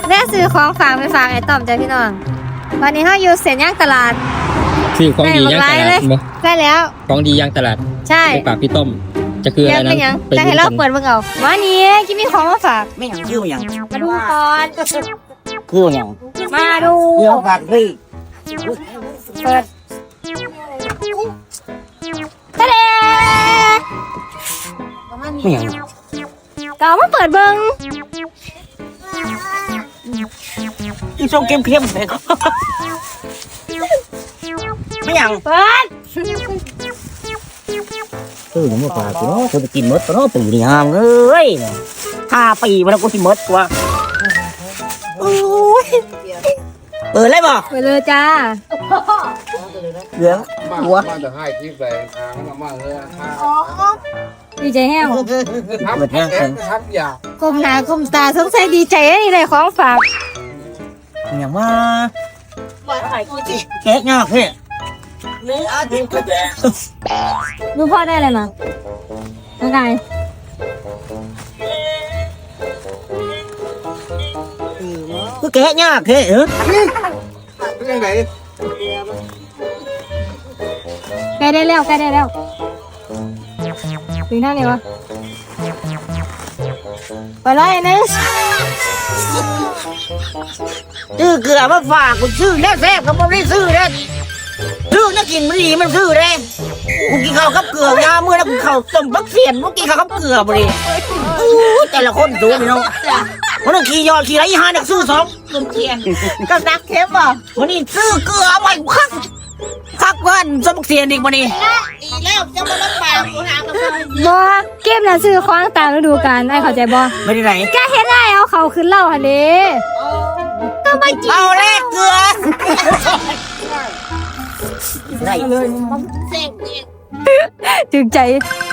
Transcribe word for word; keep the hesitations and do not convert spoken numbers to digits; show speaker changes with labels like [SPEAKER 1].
[SPEAKER 1] ได้ซื้อของฝากไปฝากไอ้ต้อมจ้ะพี่น้องวันนี้เขาอยู่เซ็นย่างตลาด
[SPEAKER 2] ซื้อของดีย่างตลาดบ่
[SPEAKER 1] ได้แล้ว
[SPEAKER 2] ของดีย่างตลาด
[SPEAKER 1] ใช่
[SPEAKER 2] ไปฝากพี่ต้มจะคืออะไรนั้น
[SPEAKER 1] จะให้เราเปิดเบิ่งเอาวันนี้กินมีของมาฝาก
[SPEAKER 3] ไม่อย่างชื่ออย่าง
[SPEAKER 1] มาดูก่อน
[SPEAKER 3] คืออย่าง
[SPEAKER 1] มาดู
[SPEAKER 3] เดี๋ยวฝากพี่
[SPEAKER 1] เปิดทะเล
[SPEAKER 3] ไม่อย่าง
[SPEAKER 1] ก็เอามาเปิดเบิ่ง
[SPEAKER 3] อีส้มเข้มเข้มเลยไม่อย่าง
[SPEAKER 1] เปิด
[SPEAKER 3] เออมาฝากกูเนาะจะกินมดก็เนาะปีนี้ห้ามเอ้ยห้าปีมาแล้วกูกินมดกว่าโอ้ยเปิดเลยบ่
[SPEAKER 1] เปิดเลยจ้า
[SPEAKER 3] เหลืองหัว
[SPEAKER 4] มาจะให้ที่แฝงทางมามาเลย
[SPEAKER 1] ดีใจแห้ว
[SPEAKER 4] ทับแห้งทับยา
[SPEAKER 1] ก้มหน้าก้มตาสงสัยดีใจนี่เลยของฝาก
[SPEAKER 3] อย่างว่าเค้กงอกพี่
[SPEAKER 1] ดูพ่อได้เลยนะยังไง
[SPEAKER 3] กูเค้กงอกพี่เออ
[SPEAKER 4] เป็นยังไง
[SPEAKER 1] ใกล้ได้แล้วใกล้ได้แล้วถึงเท่านี้วะไปเลยนึง
[SPEAKER 3] ซื้อเกลือมาฝากกูซื้อแล้วแซ่บก็ไม่ได้ซื้อแล้วซื้อนักกินมันดีมันซื้อแล้วกูกินข้าวกับเกลือยาเมื่อแล้วกูข้าวต้มบักเสียนกูกินข้าวกับเกลือบ่ดิแต่ละคนสูงเนาะวันนี้ขี่ยอดขี่ไรห้านักซื้อสองต้มเสียนก็นักเข้มอ่ะวันนี้ซื้อเกลือไปคักคักวันต้มบักเสียนอีกวันนี้อีแล้วจะมาลำบากกูหากับ
[SPEAKER 1] บอเก็บน่ะซื้อของตามฤดูกาลไอ้เข้าใจบอ
[SPEAKER 3] ไม่ได้ไหน
[SPEAKER 1] แกเห็นได้เอาเขาขึ้นเล่าหันดิก็ไม่กิน
[SPEAKER 3] เอาแรกเกลือได้เลย
[SPEAKER 1] ถึงใจ